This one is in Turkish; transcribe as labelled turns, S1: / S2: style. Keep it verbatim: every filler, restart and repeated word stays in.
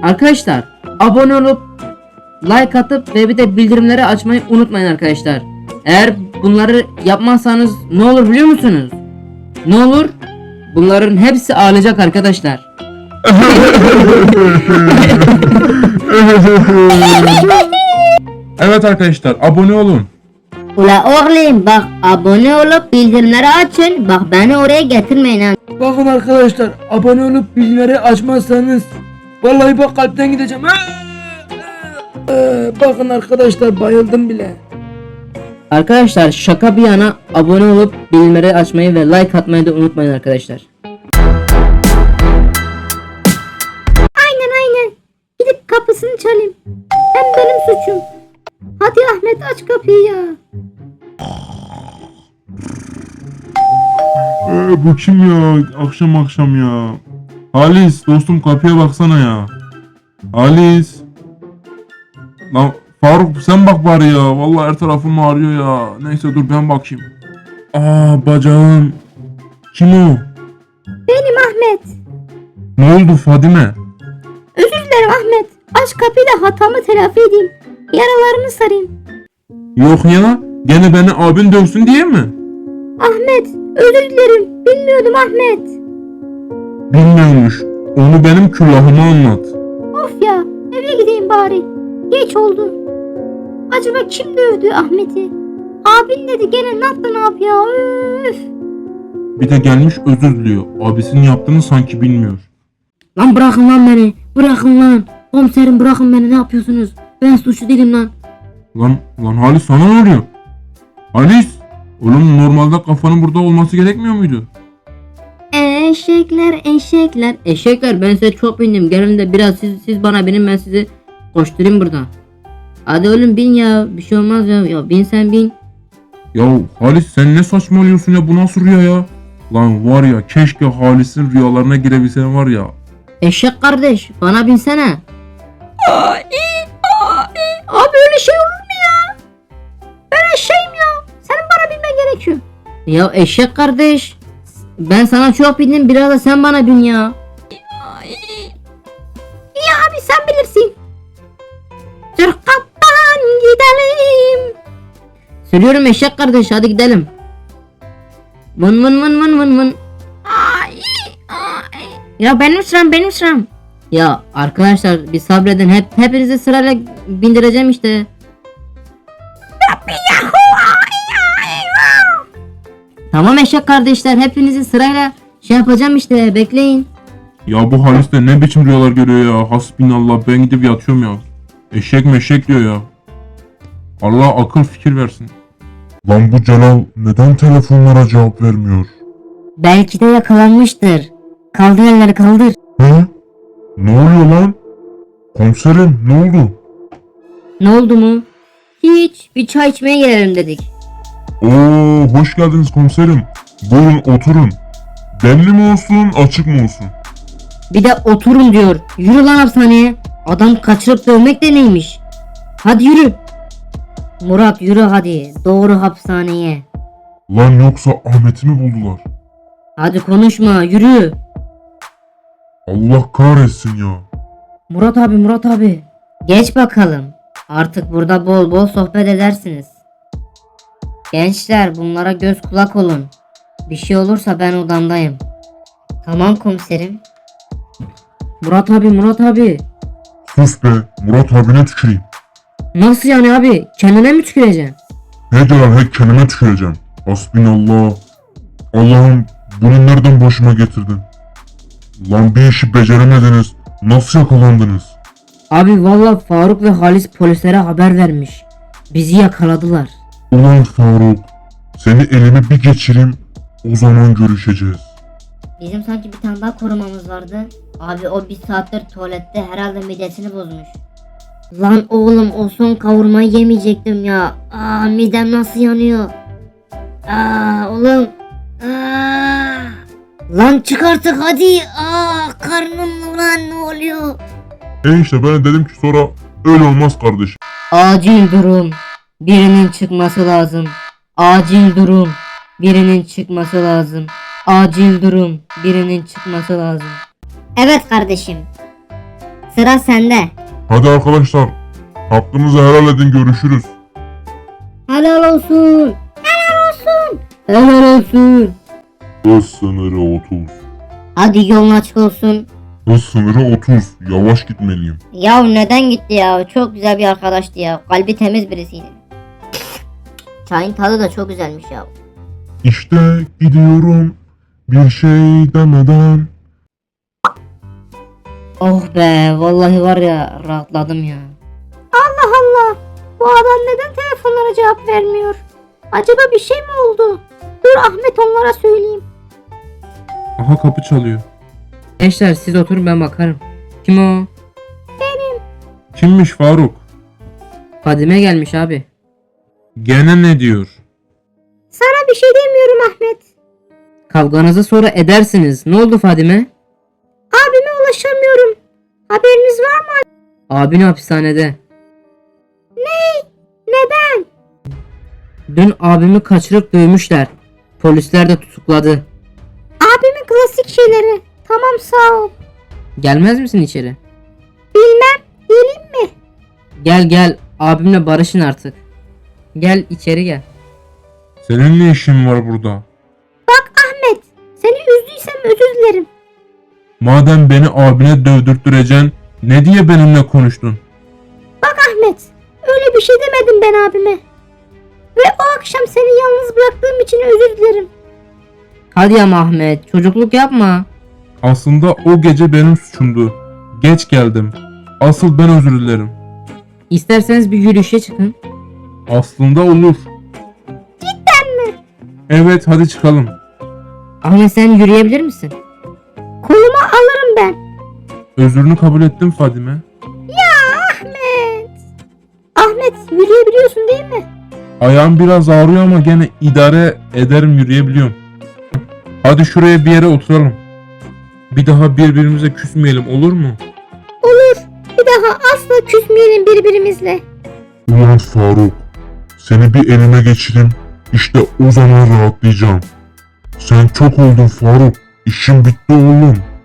S1: Arkadaşlar abone olup like atıp ve bir de bildirimleri açmayı unutmayın arkadaşlar. Eğer bunları yapmazsanız ne olur biliyor musunuz? Ne olur? Bunların hepsi ağlayacak arkadaşlar.
S2: Evet arkadaşlar, abone olun.
S3: Ula oğlum bak, abone olup bildirimleri açın. Bak beni oraya getirmeyin ha.
S4: Bakın arkadaşlar, abone olup bildirimleri açmazsanız vallahi bak kalpten gideceğim. Ee, bakın arkadaşlar, bayıldım bile.
S1: Arkadaşlar şaka bir yana abone olup bildirimleri açmayı ve like atmayı da unutmayın arkadaşlar.
S3: Aynen aynen. Gidip kapısını çalayım. Hem benim suçum. Hadi Ahmet, aç kapıyı ya.
S2: Ee, bu kim ya? Akşam akşam ya. Halis dostum, kapıya baksana ya. Halis. Lan Faruk sen bak bari ya. Vallahi her tarafım ağrıyor ya. Neyse dur ben bakayım. Aa bacağım. Kim o?
S3: Benim Ahmet.
S2: Ne oldu Fadime?
S3: Özür dilerim Ahmet. Aç kapıyı da hatamı telafi edeyim. Yaralarını sarayım.
S2: Yok ya. Gene beni abin dövsün diye mi?
S3: Ahmet, özür dilerim. Bilmiyordum Ahmet.
S2: Bilmiyormuş. Onu benim külahıma anlat.
S3: Of ya, eve gideyim bari. Geç oldu. Acaba kim dövdü Ahmet'i? Abin dedi, gene ne yaptı ne yap ya, üf.
S2: Bir de gelmiş özür diliyor. Abisinin yaptığını sanki bilmiyor.
S1: Lan bırakın lan beni. Bırakın lan. Komiserim bırakın beni, ne yapıyorsunuz? Ben suçlu değilim lan.
S2: Lan lan Halis sana ne oluyor? Halis! Oğlum normalde kafanın burada olması gerekmiyor muydu?
S1: Eşekler eşekler. Eşekler ben size çok bindim. Gelin de biraz siz, siz bana binin, ben sizi koşturayım buradan. Hadi oğlum bin ya. Bir şey olmaz ya. Ya bin sen bin.
S2: Ya Halis sen ne saçmalıyorsun ya, bu nasıl rüya ya? Lan var ya, keşke Halis'in rüyalarına girebilsen var ya.
S1: Eşek kardeş bana binsene.
S3: Ay, ay. Abi öyle şey olur mu ya? Ben eşeğim ya. Senin bana bilmen gerekiyor.
S1: Ya eşek kardeş. Ben sana çok bindim, biraz da sen bana bin ya.
S3: Ay. İyi abi, sen bilirsin. Sırkattan gidelim.
S1: Söylüyorum eşek kardeş, hadi gidelim. Vın vın vın vın vın vın.
S3: Ay, ay. Ya benim sıram, benim sıram.
S1: Ya arkadaşlar bir sabredin, hep hepinizi sırayla bindireceğim işte. Tamam eşek kardeşler, hepinizi sırayla şey yapacağım işte, bekleyin.
S2: Ya bu Halis de ne biçim rüyalar görüyor ya. Hasbinallah, ben gidip yatıyorum ya. Eşek meşek diyor ya. Allah akıl fikir versin.
S5: Lan bu Celal neden telefonlara cevap vermiyor?
S1: Belki de yakalanmıştır. Kaldır elleri, kaldır.
S5: He? Ne oluyor lan? Komiserim ne oldu?
S1: Ne oldu mu? Hiç, bir çay içmeye gelelim dedik.
S5: Oo, hoş geldiniz komiserim. Buyurun oturun. Demli mi olsun, açık mı olsun?
S1: Bir de oturun diyor. Yürü lan hapishaneye. Adam kaçırıp dövmek de neymiş? Hadi yürü. Murat yürü hadi. Doğru hapishaneye.
S5: Lan yoksa Ahmet'i mi buldular?
S1: Hadi konuşma, yürü.
S5: Allah kahretsin ya.
S1: Murat abi, Murat abi. Geç bakalım. Artık burada bol bol sohbet edersiniz. Gençler bunlara göz kulak olun. Bir şey olursa ben odamdayım. Tamam komiserim. Murat abi, Murat abi.
S5: Sus be, Murat abine tüküreyim.
S1: Nasıl yani abi? Kendine mi tüküreceksin?
S5: He Celal, he kendime tüküreceğim. Hasbinallah. Allah'ım, bunu nereden başıma getirdin? Lan bir işi beceremediniz. Nasıl yakalandınız?
S1: Abi valla Faruk ve Halis polislere haber vermiş. Bizi yakaladılar.
S5: Ulan Faruk, seni elime bir geçireyim, o zaman görüşeceğiz.
S3: Bizim sanki bir tane daha korumamız vardı. Abi o bir saattir tuvalette, herhalde midesini bozmuş.
S1: Lan oğlum o son kavurmayı yemeyecektim ya. Aa midem nasıl yanıyor. Aa oğlum. Aa. Lan çık artık hadi. Aa karnım ulan, ne oluyor?
S5: E işte ben dedim ki sonra öyle olmaz kardeşim.
S1: Acil durum. Birinin çıkması lazım. Acil durum. Birinin çıkması lazım. Acil durum. Birinin çıkması lazım.
S3: Evet kardeşim.
S1: sıra sende.
S5: Hadi arkadaşlar. Hakkınızı helal edin, görüşürüz.
S1: Helal olsun. Helal olsun. Helal olsun.
S5: Hız sınırı otuz.
S1: Hadi yolun açık olsun.
S5: Hız sınırı otuz. Yavaş gitmeliyim.
S1: Ya neden gitti ya? Çok güzel bir arkadaştı ya. Kalbi temiz birisiydi. Çayın tadı da çok güzelmiş ya.
S5: İşte gidiyorum bir şey demeden.
S1: Oh be, vallahi var ya, rahatladım ya.
S3: Allah Allah. Bu adam neden telefonlara cevap vermiyor? Acaba bir şey mi oldu? Dur Ahmet onlara söyleyeyim.
S2: Aha, kapı çalıyor.
S4: Gençler siz oturun ben bakarım. Kim o?
S2: Kimmiş Faruk?
S4: Fadime gelmiş abi.
S2: Gene ne diyor?
S3: Sana bir şey demiyorum Ahmet.
S4: Kavganızı sonra edersiniz. Ne oldu Fadime?
S3: Abime ulaşamıyorum. Haberiniz var mı?
S4: Abin hapishanede.
S3: Neden?
S4: Dün abimi kaçırıp dövmüşler. Polisler de tutukladı.
S3: Abimin klasik şeyleri. Tamam sağ ol.
S4: Gelmez misin içeri?
S3: Bilmem. Geleyim mi?
S4: Gel gel abimle barışın artık. Gel içeri gel.
S2: Senin ne işin var burada?
S3: Bak Ahmet. Seni üzdüysem özür dilerim.
S2: Madem beni abine dövdürttüreceksin, ne diye benimle konuştun?
S3: Bak Ahmet. Öyle bir şey demedim ben abime. Ve o akşam seni yalnız bıraktığım için özür dilerim.
S4: Hadi ama Ahmet çocukluk yapma.
S2: Aslında o gece benim suçumdu. Geç geldim. Asıl ben özür dilerim.
S4: İsterseniz bir yürüyüşe çıkın.
S2: Aslında olur. Cidden mi? Evet, hadi çıkalım.
S4: Ahmet sen yürüyebilir misin?
S3: Koluma alırım ben.
S2: Özrünü kabul ettim Fadime.
S3: Ahmet. Ahmet yürüyebiliyorsun değil mi?
S2: Ayağım biraz ağrıyor ama gene idare ederim, yürüyebiliyorum. Hadi şuraya bir yere oturalım. Bir daha birbirimize küsmeyelim, olur mu?
S3: Olur. Bir daha asla küsmeyelim birbirimizle.
S5: Ulan Faruk, seni bir elime geçireyim, işte o zaman rahatlayacağım. Sen çok oldun Faruk, işim bitti oğlum.